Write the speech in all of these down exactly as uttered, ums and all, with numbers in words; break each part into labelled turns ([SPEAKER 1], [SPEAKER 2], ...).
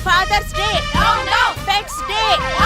[SPEAKER 1] Fathers day, pet's day.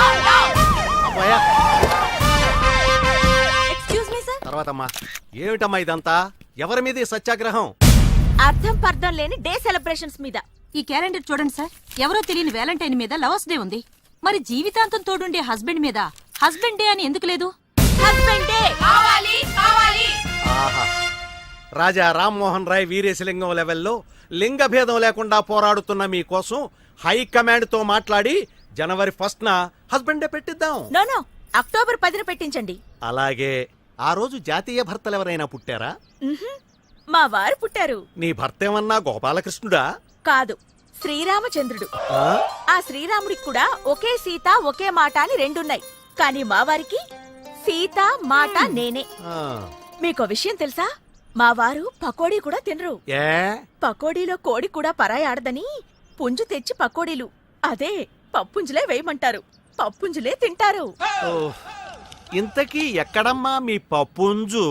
[SPEAKER 1] Excuse me sir.
[SPEAKER 2] తర్వాతమ్మా ఏమిటమ్మా ఇదంతా? ఎవరి మీద సత్యాగ్రహం?
[SPEAKER 1] అర్థం పర్థం లేని డే సెలబ్రేషన్స్ మీద.
[SPEAKER 3] ఈ క్యాలెండర్ చూడండి సార్, ఎవరో తెలియని వ్యాలంటైన్ మీద లవర్స్ డే ఉంది. మరి జీవితాంతం తోడుండే హస్బెండ్ మీద హస్బెండ్ డే అని ఎందుకు లేదు?
[SPEAKER 1] హస్బెండ్ డే కావాలి కావాలి.
[SPEAKER 2] ఆహా, రాజా రామ్మోహన్ రాయ్ వీరేశలింగం లెవెల్లో లింగ భేదం లేకుండా పోరాడుతున్న మీకోసం హైకమాండ్ తో మాట్లాడి జనవరి ఫస్ట్ న హస్బెండ్ డే పెట్టిద్దాం.
[SPEAKER 1] నో నో, అక్టోబర్ పదిన పెట్టించండి.
[SPEAKER 2] అలాగే ఆ రోజు జాతీయ భర్తలు ఎవరైనా పుట్టారా?
[SPEAKER 1] మా వారు పుట్టారు.
[SPEAKER 2] నీ భర్త ఏమన్నా గోపాలకృష్ణుడా?
[SPEAKER 1] కాదు, శ్రీరామచంద్రుడు. ఆ శ్రీరాముడికి కూడా ఒకే సీత ఒకే మాట అని రెండున్నాయి. కానీ మా వారికి సీత మాట నేనే. మీకో విషయం తెలుసా? మా వారు పకోడీ కూడా తినరు.
[SPEAKER 2] ఏ
[SPEAKER 1] పకోడీలో కోడి కూడా పరాయి ఆడదని పుంజు తెచ్చి పకోడీలు అదే పప్పుంజులే వేయమంటారు. పప్పుంజులే తింటారు.
[SPEAKER 2] ఇంతకీ ఎక్కడమ్మా మీ పప్పుంజు?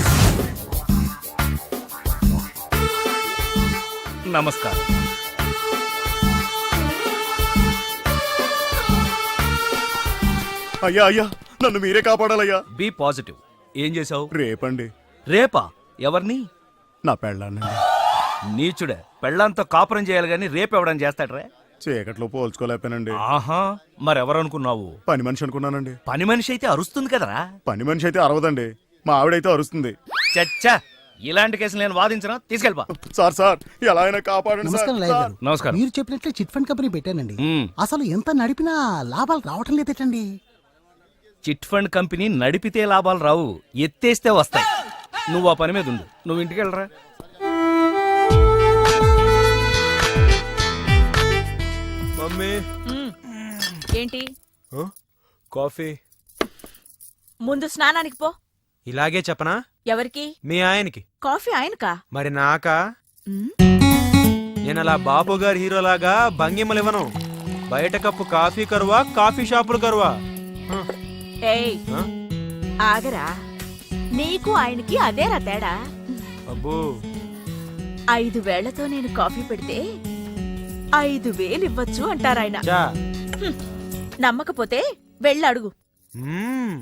[SPEAKER 4] నమస్కారం.
[SPEAKER 5] అయ్యా అయ్యా, నన్ను మీరే కాపాడాలయ్యా.
[SPEAKER 4] B positive. ఏం చేసావు?
[SPEAKER 5] రేపండి.
[SPEAKER 4] రేపా? ఎవరిని?
[SPEAKER 5] నా పెళ్ళాన్నండి.
[SPEAKER 4] నీచుడే, పెళ్ళంతో కాపురం చేయాలి గాని రేపెవడం చేస్తాడ్రా?
[SPEAKER 5] చీకట్లో పోల్చుకోలేకపోయానండి.
[SPEAKER 4] ఆహా, మరెవరనుకున్నావు?
[SPEAKER 5] పని మనిషి అనుకున్నానండి.
[SPEAKER 4] పని మనిషి అయితే అరుస్తుంది కదరా.
[SPEAKER 5] పని మనిషి అయితే అరవదండి, మా ఆవిడైతే అరుస్తుంది.
[SPEAKER 4] చచ్చా, ఇలాంటి కేసులు నేను వాదించను. తీసుకెళ్ళిపా.
[SPEAKER 5] సార్ సార్ ఎలా అయినా కాపాడండి.
[SPEAKER 6] నమస్కారం లాయర్ గారు.
[SPEAKER 4] నమస్కారం.
[SPEAKER 6] మీరు చెప్పినట్లే చిట్ ఫండ్ కంపెనీ పెట్టానండి.
[SPEAKER 4] మ్మ్.
[SPEAKER 6] అసలు ఎంత నడిపినా లాభాలు రావటం లేదటండి.
[SPEAKER 4] చిట్ ఫండ్ కంపెనీ నడిపితే లాభాలు రావు, ఎత్తేస్తే వస్తాయి. నువ్వు ఆ పని మీద ఉండు. నువ్వు ఇంటికి వెళ్ళరా.
[SPEAKER 7] మమ్మీ
[SPEAKER 1] ఏంటి?
[SPEAKER 7] కాఫీ.
[SPEAKER 1] ముందు స్నానానికి పో.
[SPEAKER 7] ఇలాగే చెప్పనా?
[SPEAKER 1] ఎవరికి?
[SPEAKER 7] మీ ఆయనకి.
[SPEAKER 1] కాఫీ ఆయనకా?
[SPEAKER 7] మరి నాకా?
[SPEAKER 1] మ్?
[SPEAKER 7] నేను అలా బాపు గారి హీరోలాగా భంగిమలు ఇవ్వను. బయట కప్పు కాఫీ కరువా, కాఫీ షాపులు కరువా?
[SPEAKER 1] ఏయ్, ఆగరా. నీకు ఆయనకి అదేరా తేడా.
[SPEAKER 7] అబ్బో,
[SPEAKER 1] ఐదు వేళ్లతో నేను కాఫీ పెడితే ఐదు వేలు ఇవ్వచ్చు అంటారాయన.
[SPEAKER 7] చా.
[SPEAKER 1] హ్మ్. నమ్మకపోతే వెళ్ళడుగు.
[SPEAKER 7] మ్మ్.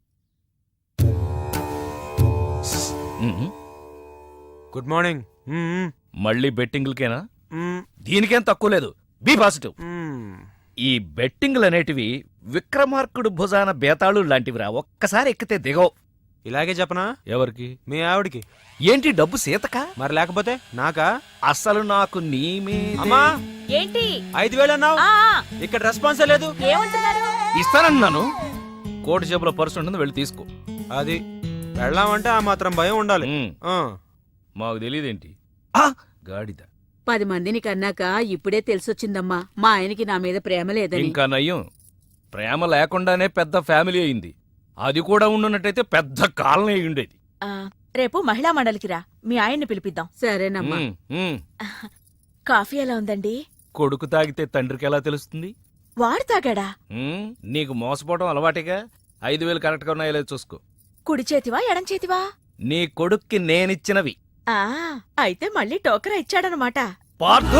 [SPEAKER 4] మ్మ్.
[SPEAKER 7] Good morning. మ్మ్.
[SPEAKER 4] మళ్ళీ బెట్టింగ్లకేనా?
[SPEAKER 7] మ్మ్.
[SPEAKER 4] దీనికేం తక్కువ లేదు. Be positive.
[SPEAKER 7] మ్మ్.
[SPEAKER 4] ఈ బెట్టింగ్లు అనేటివి విక్రమార్కుడు భుజాన బేతాళు లాంటివిరా. ఒక్కసారి ఎక్కితే దిగవు.
[SPEAKER 7] ఇలాగే చెప్పనా?
[SPEAKER 4] ఎవరికి?
[SPEAKER 7] మీ ఆవిడికి.
[SPEAKER 4] ఏంటి డబ్బు సీతకా?
[SPEAKER 7] మరి లేకపోతే నాకా?
[SPEAKER 4] అసలు నాకు నీ మీద
[SPEAKER 7] అమ్మా,
[SPEAKER 1] ఏంటి?
[SPEAKER 7] ఐదు వేలు అన్నావు,
[SPEAKER 1] ఆ,
[SPEAKER 7] ఇక్కడ రెస్పాన్సే లేదు.
[SPEAKER 1] ఏమంటున్నారు?
[SPEAKER 4] ఇస్తానన్నాను. కోటి జేబులో పర్సు ఉంటుంది, వెళ్ళి తీసుకో.
[SPEAKER 7] అది వెళ్ళామంటే ఆ మాత్రం భయం ఉండాలి.
[SPEAKER 4] మ్మ్.
[SPEAKER 7] ఆ.
[SPEAKER 4] మాకు తెలియదేంటి? గాడిద.
[SPEAKER 3] పది మందిని కన్నాక ఇప్పుడే తెలిసొచ్చిందమ్మా మా ఆయనకి నా మీద ప్రేమ లేదని.
[SPEAKER 4] ఇంకా నయ్యం, ప్రేమ లేకుండానే పెద్ద ఫ్యామిలీ అయింది. అది కూడా ఉండున్నట్టయితే పెద్ద కాలనీ అయి ఉండేది.
[SPEAKER 1] ఆ, రేపు మహిళా మండలికి రా, మీ ఆయన్ని పిలిపిద్దాం.
[SPEAKER 3] సరేనమ్మా.
[SPEAKER 4] మ్మ్, మ్మ్.
[SPEAKER 1] కాఫీ ఎలా ఉందండి?
[SPEAKER 4] కొడుకు తాగితే తండ్రికి ఎలా తెలుస్తుంది?
[SPEAKER 1] వాడు తాగాడా?
[SPEAKER 4] మ్మ్. నీకు మోసపోవడం అలవాటిగా. ఐదు వేలు కరెక్ట్ గా ఉన్నాయో లేదో చూసుకో.
[SPEAKER 1] కుడి చేతివా ఎడం చేతివా?
[SPEAKER 4] నీ కొడుక్కి నేనిచ్చినవి.
[SPEAKER 1] ఆ, అయితే మళ్ళీ టోకరా ఇచ్చాడనమాట.
[SPEAKER 4] పార్థు!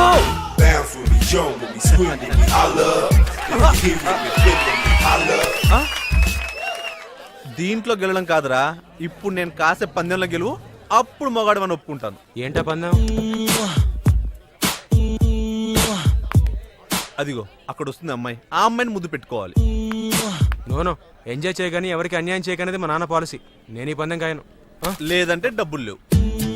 [SPEAKER 2] దీంట్లో గెలడం కాదురా, ఇప్పుడు నేను కాసే పందెంలో గెలువు, అప్పుడు మొగాడు అని ఒప్పుకుంటాను.
[SPEAKER 7] ఏంటా పందెం?
[SPEAKER 2] అదిగో అక్కడ వస్తుంది అమ్మాయి, ఆ అమ్మాయిని ముద్దు పెట్టుకోవాలి.
[SPEAKER 7] నోనో, ఎంజాయ్ చేయగాని ఎవరికి అన్యాయం చేయకనేది మా నాన్న పాలసీ. నేను ఈ పందెం కాయను.
[SPEAKER 2] లేదంటే డబ్బులు లేవు.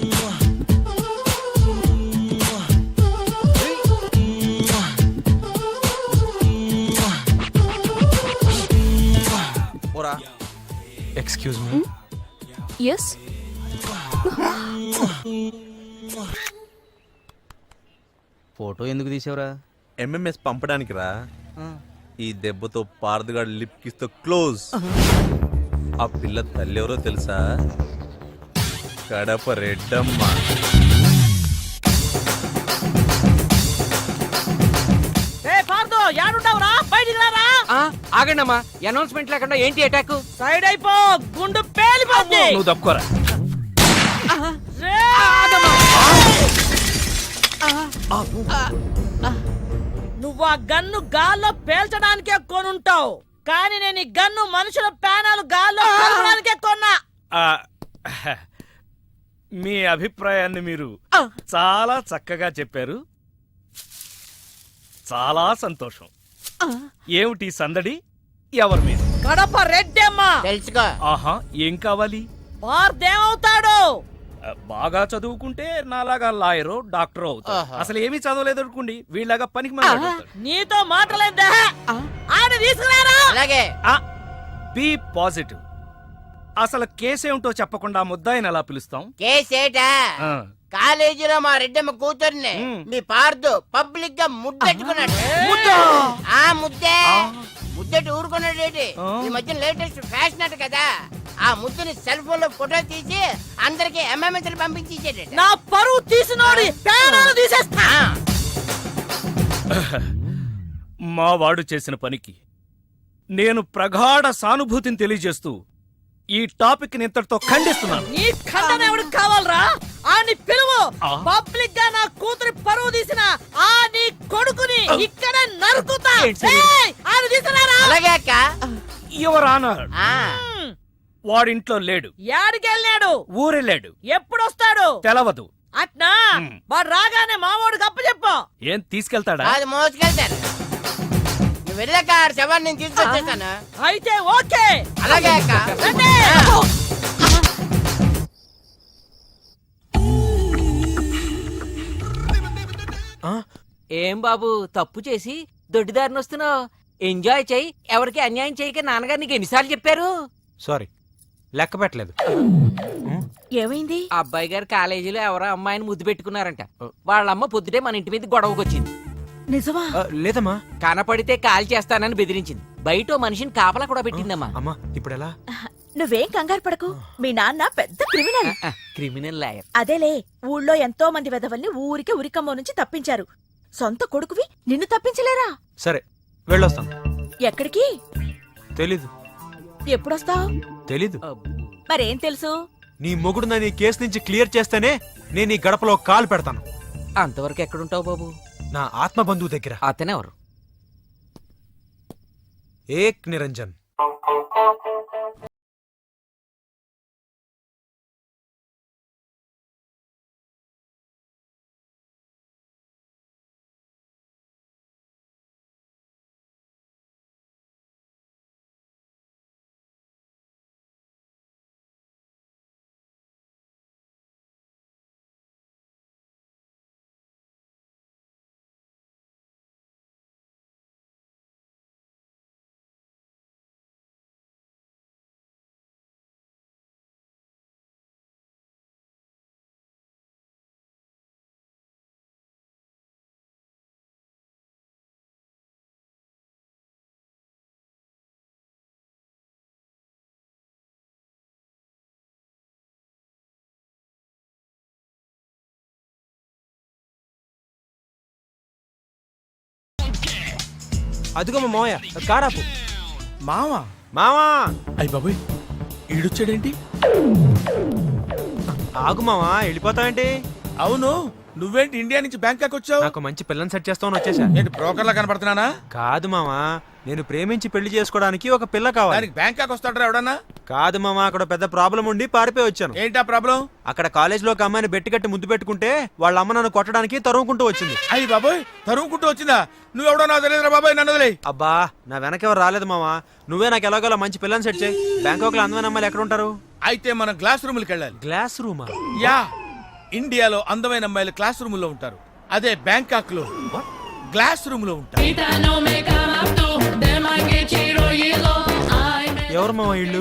[SPEAKER 7] Excuse me.
[SPEAKER 3] ఎస్.
[SPEAKER 8] ఫోటో ఎందుకు తీసావురా?
[SPEAKER 2] ఎంఎంఎస్ పంపడానికి రా. ఈ దెబ్బతో పారదుగాడు లిప్ కిస్ తో క్లోజ్. ఆ పిల్ల తల్లి ఎవరో తెలుసా? కడప రెడ్డమ్మ.
[SPEAKER 8] ఆగండమ్మా, అనౌన్స్మెంట్ లేకుండా ఏంటి అటాక్?
[SPEAKER 1] సైడ్ అయిపో, గుండు పేలిపోద్ది.
[SPEAKER 4] నువ్వు తప్పుకోరా.
[SPEAKER 1] నువ్వు
[SPEAKER 9] నువ్వు ఆ గన్ను గాల్లో పేల్చడానికే కొనుంటావు, కానీ నేను ఈ గన్ను మనుషుల ప్రాణాలు గాల్లో పేల్చడానికే కొన్నా.
[SPEAKER 4] ఆ, మీ అభిప్రాయాన్ని మీరు చాలా చక్కగా చెప్పారు. చాలా సంతోషం. ఏమిటి సందడి? ఎవరి మీద?
[SPEAKER 9] కడప రెడ్డమ్మా.
[SPEAKER 8] తెలుసుకో.
[SPEAKER 4] ఆహా, ఏం కావాలి?
[SPEAKER 9] వార్దేమవుతాడు?
[SPEAKER 4] ఆ, బాగా చదువుకుంటే నాలాగా లాయరో డాక్టరో అవుతాడు.
[SPEAKER 8] ఆహా.
[SPEAKER 4] అసలు ఏమీ చదవలేదు అనుకోండి, వీళ్ళగా పనికి మాట్లాడు.
[SPEAKER 9] నీతో మాటలేదా? ఆయన తీసుకురారా.
[SPEAKER 8] అలాగే.
[SPEAKER 4] Be positive. అసలు కేసేమిటో చెప్పకుండా ముద్దాయిని ఎలా పిలుస్తాం?
[SPEAKER 8] కేసేటా
[SPEAKER 4] ఆ,
[SPEAKER 8] కాలేజీలో మా రెడ్డమ్మ కూతుర్ని
[SPEAKER 4] మ్.
[SPEAKER 8] మీ పార్దు పబ్లిక్ గా ముద్దెట్టుకున్నాడు. ఆ ముద్దే ముద్దెట్టు ఊరుకున్నాడేటి.
[SPEAKER 4] ఆ.
[SPEAKER 8] ఈ మధ్య లేటెస్ట్ ఫ్యాషన్ అట కదా, ఆ ముద్దుని సెల్ ఫోన్ లో ఫోటో తీసి అందరికి ఎంఎంఎస్ పంపించి ఇచ్చేట.
[SPEAKER 9] నా పరువు తీసినోడి ప్రాణాలు తీసేస్తా.
[SPEAKER 4] మా వాడు చేసిన పనికి నేను ప్రగాఢ సానుభూతిని తెలియజేస్తూ ఈ టాపిక్ ని ఇంతటితో ఖండిస్తున్నాను.
[SPEAKER 9] నీ ఖండన ఎవరికి కావాలరా? ఆ నీ పిలువు.
[SPEAKER 4] ఆ.
[SPEAKER 9] పబ్లిక్ గా నా కూతురి పరువు తీసిన ఆ నీ కొడుకుని ఇక్కడ నరుకుతా.
[SPEAKER 4] ఏంటి సార్?
[SPEAKER 9] ఏయ్, ఆయన తీసుకురారా.
[SPEAKER 8] అలాగే అక్క.
[SPEAKER 4] యువర్ ఆనర్,
[SPEAKER 8] ఆ.
[SPEAKER 9] మ్,
[SPEAKER 4] వాడింట్లో లేడు,
[SPEAKER 9] యాడికెళ్ళాడు?
[SPEAKER 4] ఊరెళ్ళాడు,
[SPEAKER 9] ఎప్పుడొస్తాడు?
[SPEAKER 4] తెలవదు.
[SPEAKER 9] అట్నా?
[SPEAKER 4] మ్.
[SPEAKER 9] వాడు రాగానే మామూడికి అప్పచెప్పు.
[SPEAKER 4] ఏం తీసుకెళ్తాడా?
[SPEAKER 8] అది మోసుకెళ్తాను. నువ్వు వెళ్ళాక ఆ శవాన్ని నేను తీసుకొచ్చేస్తాను.
[SPEAKER 9] అయితే ఓకే.
[SPEAKER 8] అలాగే అక్క.
[SPEAKER 9] రండి.
[SPEAKER 8] ఏం బాబు తప్పు చేసి దొడ్డిదారిని వస్తున్నావు? ఎంజాయ్ చెయ్యి, ఎవరికి అన్యాయం చేయక నాన్నగారు నీకు ఎన్నిసార్లు చెప్పారు?
[SPEAKER 7] సారీ, లెక్క పెట్టలేదు.
[SPEAKER 1] ఏమైంది?
[SPEAKER 8] అబ్బాయి గారు కాలేజీలో ఎవరో అమ్మాయిని ముద్దు పెట్టుకున్నారంట. వాళ్ళమ్మ పొద్దుటే మన ఇంటి మీద గొడవకు వచ్చింది.
[SPEAKER 1] నిజమా?
[SPEAKER 7] ఆ, లేదమ్మా.
[SPEAKER 8] కనపడితే కాల్ చేస్తానని బెదిరించింది. బయట ఓ మనిషిని కాపలా కూడా పెట్టిందమ్మా.
[SPEAKER 7] అమ్మా ఇప్పుడు ఎలా?
[SPEAKER 1] నువ్వేం కంగారు పడకు. మీ నాన్న పెద్ద క్రిమినల్.
[SPEAKER 8] Criminal lawyer.
[SPEAKER 1] అదేలే, ఊళ్ళో ఎంతో మంది వెధవల్ని ఊరికే ఉరికమ్మో నుంచి తప్పించారు. సొంత కొడుకువి నిన్ను తప్పించలేరా?
[SPEAKER 7] సరే వెళ్ళొస్తాను.
[SPEAKER 1] ఎక్కడికి?
[SPEAKER 7] తెలీదు.
[SPEAKER 1] ఎప్పుడొస్తావు?
[SPEAKER 7] తెలీదు.
[SPEAKER 1] మరేం తెలుసు?
[SPEAKER 7] నీ మొగుడు నన్ను ఈ కేసు నుంచి క్లియర్ చేస్తేనే నేను ఈ గడపలో కాలు పెడతాను.
[SPEAKER 8] అంతవరకు ఎక్కడుంటావు బాబు?
[SPEAKER 7] నా ఆత్మ బంధువు దగ్గర.
[SPEAKER 8] అతనెవరు?
[SPEAKER 7] ఏక్ నిరంజన్. అదిగో మా మావయ్య, కారాపు.
[SPEAKER 2] మావా
[SPEAKER 7] మావా
[SPEAKER 2] అయ్య బాబోయ్, ఈడొచ్చాడేంటి?
[SPEAKER 7] ఆగు మావా, వెళ్ళిపోతావేంటి?
[SPEAKER 2] అవును, నువ్వేంటి ఇండియా నుంచి బ్యాంకాక్ వచ్చావు?
[SPEAKER 7] నాకు మంచి పిల్లని సెట్ చేస్తామని వచ్చేసా.
[SPEAKER 2] ఏంటి బ్రోకర్లా కనపడుతున్నానా?
[SPEAKER 7] కాదు మావా, నేను ప్రేమించి పెళ్లి చేసుకోవడానికి ఒక పిల్ల కావాలి.
[SPEAKER 2] దానికి బ్యాంకాక్ వస్తాడరా ఎవడన్నా?
[SPEAKER 7] కాదు మావా, అక్కడ పెద్ద ప్రాబ్లం ఉండి పారిపోయి వచ్చాను.
[SPEAKER 2] ఏంటా ప్రాబ్లం?
[SPEAKER 7] అక్కడ కాలేజీలో ఒక అమ్మాయిని బెట్టి కట్టి ముద్దు పెట్టుకుంటే వాళ్ళ అమ్మ నన్ను కొట్టడానికి తరుముకుంటూ వచ్చింది.
[SPEAKER 2] అయ్యి బాబోయ్, తరుముకుంటూ వచ్చిందా? నువ్వెవడో నాకు తెలియదురా బాబాయ్, నన్ను వదిలేయ్.
[SPEAKER 7] అబ్బా, నా వెనకెవరు రాలేదు మావా, నువ్వే నాకు ఎలాగోలా మంచి పిల్లని సెట్ చేయి. బ్యాంకాక్ లో అందమైన అమ్మాయిలు ఎక్కడ ఉంటారు?
[SPEAKER 2] అయితే మనం క్లాస్ రూమ్కి వెళ్ళాలి.
[SPEAKER 7] గ్లాస్ రూమా?
[SPEAKER 2] యా, ఇండియాలో అందమైన అమ్మాయిలు క్లాస్ రూమ్ లో ఉంటారు. అదే బ్యాంకాక్ లో గ్లాస్ రూమ్ లో ఉంటారు.
[SPEAKER 7] ఎవరు మావా ఇళ్ళు?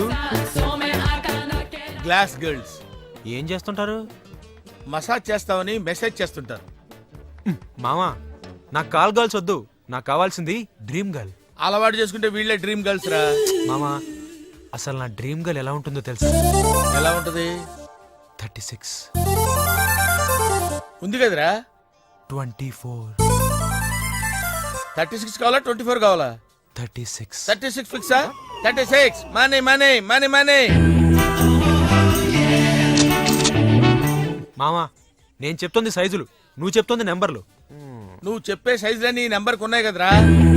[SPEAKER 2] Glass girls.
[SPEAKER 7] ఏం చేస్తుంటారు?
[SPEAKER 2] మసాజ్ చేస్తామని మెసేజ్ చేస్తుంటారు.
[SPEAKER 7] మావా, నాకు కాల్ గర్ల్స్ వద్దు, నాకు కావాల్సింది డ్రీమ్ గర్ల్.
[SPEAKER 2] అలవాటు చేసుకుంటే వీళ్ళే డ్రీమ్ గర్ల్స్ రా.
[SPEAKER 7] మామా, అసలు నా డ్రీమ్ గర్ల్ ఎలా ఉంటుందో తెలుసా?
[SPEAKER 2] ఎలా ఉంటది?
[SPEAKER 7] థర్టీ సిక్స్
[SPEAKER 2] ఉంది కదరా.
[SPEAKER 7] ట్వంటీ ఫోర్
[SPEAKER 2] థర్టీ సిక్స్ కావాలా, ట్వంటీ ఫోర్ కావాలా?
[SPEAKER 7] థర్టీ సిక్స్
[SPEAKER 2] థర్టీ సిక్స్ ఫిక్సా? Thirty six money money money money.
[SPEAKER 7] మామా, నేను చెప్తుంది సైజులు, నువ్వు చెప్తుంది నెంబర్లు.
[SPEAKER 10] నువ్వు చెప్పే సైజులన్నీ ఈ నెంబర్కి ఉన్నాయి కదరా.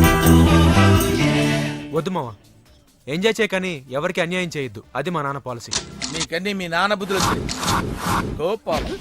[SPEAKER 7] వద్దు మావా, ఎంజాయ్ చేయకని ఎవరికి అన్యాయం చేయొద్దు. అది మా నాన్న పాలసీ.
[SPEAKER 10] నీకన్నీ మీ నాన్న బుద్ధులు వచ్చాయి. గోపాలం